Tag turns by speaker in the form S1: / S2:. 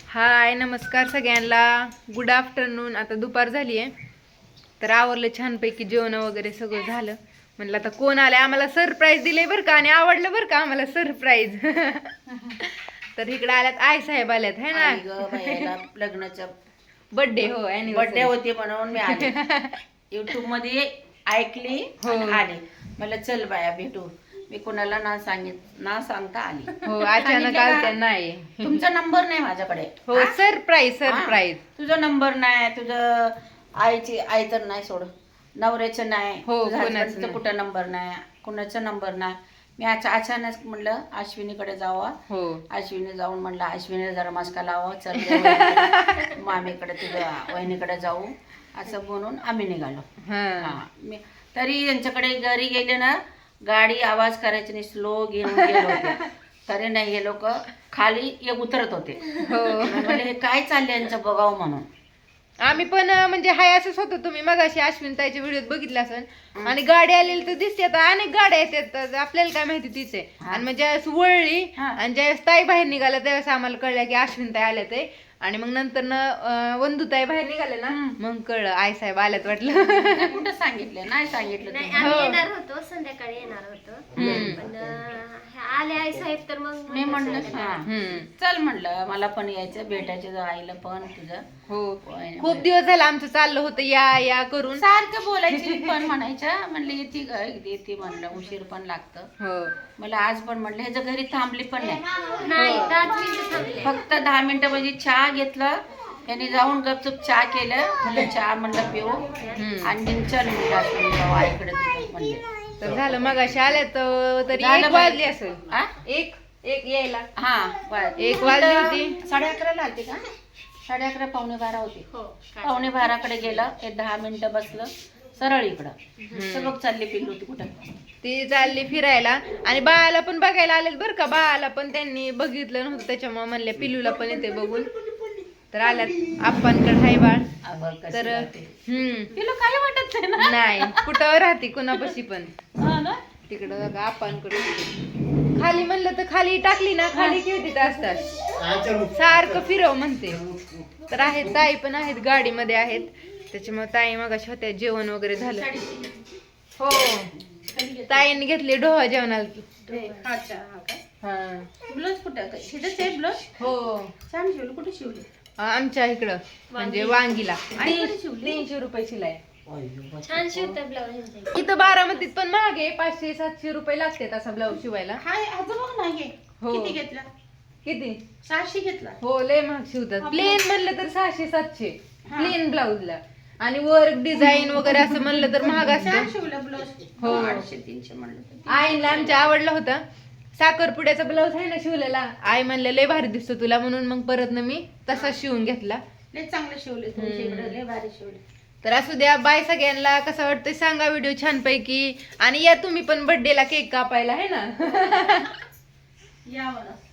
S1: हाय नमस्कार सगळ्यांना. Good afternoon. आता दुपार झाली आहे तर आवरलं छानपैकी जेवण वगैरे सगळं झालं. म्हणलं आता कोण आलंय, आम्हाला सरप्राईज दिले बरं का आणि आवडलं बरं का आम्हाला सरप्राईज. तर इकडे आल्यात आई साहेब आल्यात है ना.
S2: लग्नाचा
S1: बर्थडे हो
S2: बर्थडे होते म्हणून मी आले. युट्यूब मध्ये ऐकली आणि आले. मला चल बाया भेटू. मी कोणाला ना सांगता आली.
S1: हो अचानक आलत्या. नाही
S2: तुमचा नंबर नाही माझ्याकडे.
S1: हो सरप्राईज सरप्राईज.
S2: तुझा नंबर नाही, तुझं आई तर नाही सोड, नवऱ्याचं नाही,
S1: हो,
S2: हजबंडचा कुठं नंबर नाही, कुणाचा नंबर नाही. मी अचानक म्हणलं अश्विनीकडे जावा.
S1: हो
S2: अश्विनी जाऊन म्हणलं अश्विनी जरा मस्का लावा, चल मामीकडे तुझ्या वहिनीकडे जाऊ असं म्हणून आम्ही निघालो. हा मी तरी यांच्याकडे घरी गेले ना, गाडी आवाज करायची नाही, स्लो घेऊन गेलो होते. तरी नाही हे लोक खाली उतरत होते. म्हणजे हे काय चाललंय यांचं बघावं म्हणून
S1: आम्ही पण म्हणजे हाय असंच होतो. तुम्ही मगाशी अश्विन ताईच्या व्हिडिओत बघितलं असेल आणि गाडी आलेली तर दिसते. आता अनेक गाड्या येतात, आपल्याला काय माहिती तीच आहे. आणि म्हणजे ज्यावेळेस वळली आणि ज्यावेळेस ताई बाहेर निघाला त्यावेळेस आम्हाला कळलं की अश्विन ताई आल्या ते. आणि मग नंतर वंदुताई बाहेर निघाले ना, मग कळलं आई साहेब आल्यात. वाटलं
S2: कुठं सांगितलं, नाही सांगितलं.
S3: नाही आम्ही येणार होतो, संध्याकाळी येणार होतो, पण आले आई साहेब तर मग
S2: मी म्हणलं चल म्हणलं मला पण यायचं, भेटायचं आईला पण तुझं.
S1: हो खूप दिवस झाला आमचं चाललं होतं या या करून,
S2: सारखं बोलायची पण म्हणायच्या. म्हणलं येते म्हणलं, उशीर पण लागतं.
S1: हो
S2: मला आज पण म्हणलं ह्याच्या घरी थांबली पण नाही.
S3: नाही 10 मिनिटं थांबले.
S2: फक्त 10 मिनिटं म्हणजे चहा घेतलं त्यांनी, जाऊन गपचूप चहा केलं. म्हणलं चहा म्हणलं पिऊ आणि चल म्हणलं आईकडे म्हणले.
S1: तर झालं मग अशा आल्या तरी
S2: झालं
S1: 1 वाजली असेल.
S2: आ?
S1: एक यायला
S2: हा
S1: 1 वाजली होती.
S2: 11:30 आलते का? 11:30 11:45 होती.
S3: हो
S2: 11:45 गेलं, 10 मिनिटं बसलं, सरळ इकडं सगळं चालली पिल्लू होती कुठं.
S1: ती चालली फिरायला आणि बाळाला पण बघायला आलेत बरं का. बाळाला पण त्यांनी बघितलं नव्हतं त्याच्यामुळे म्हणले पिल्लूला पण येते बघून. तर आल्यात आप्पांकडे हाय बाळ. तर
S2: पिल्लू काही वाटत नाही ना.
S1: नाही कुठं राहते कुणापाशी पण.
S2: हा ना?
S1: तिकडं आप्पांकडे खाली म्हणलं तर खाली टाकली ना, खाली खेळतीत असतात, सारखं फिरव म्हणते. तर आहेत ताई पण आहेत, गाडीमध्ये आहेत. त्याच्यामुळे ताई मग अशा होत्या, जेवण वगैरे झालं. हो ताईने घेतली डोहा जेवणाला. हा
S2: ब्लाऊज कुठं शिजच आहे ब्लाऊज.
S1: हो
S2: छान शिवलं. कुठे शिवले?
S1: आमच्या इकडं म्हणजे वांगीला 300 रुपये शिलाई.
S3: छान शिवतात ब्लाऊज.
S1: इथं बारामतीत पण महाग आहे, 500-700 रुपये लागतात असा ब्लाऊज शिवायला.
S2: हाय आज बघ नाही.
S1: हो.
S2: किती घेतला?
S1: किती?
S2: 600 घेतला.
S1: हो लय महाग शिवतात. प्लेन म्हणलं तर 600-700 प्लेन ब्लाऊजला. आणि वर्क डिझाईन वगैरे असं म्हणलं तर महाग
S2: छान
S1: असतं.
S2: शिवलं ब्लाऊज.
S1: हो
S2: 800-300 म्हणलं.
S1: आईला आमच्या आवडला होता. साखरपुड्याचा ब्लाऊज आहे ना शिवलेला, आई म्हणले लय भारी दिसतो तुला, म्हणून मग परत ना मी तसा शिवून घेतला.
S2: लय चांगलं शिवले तुमच्या इकडे, लय भारी शिवले.
S1: तर असू द्या. बाय सगळ्यांना. कसं वाटतंय सांगा व्हिडिओ छानपैकी. आणि या तुम्ही पण बर्थडेला केक कापायला है ना.
S2: या मला.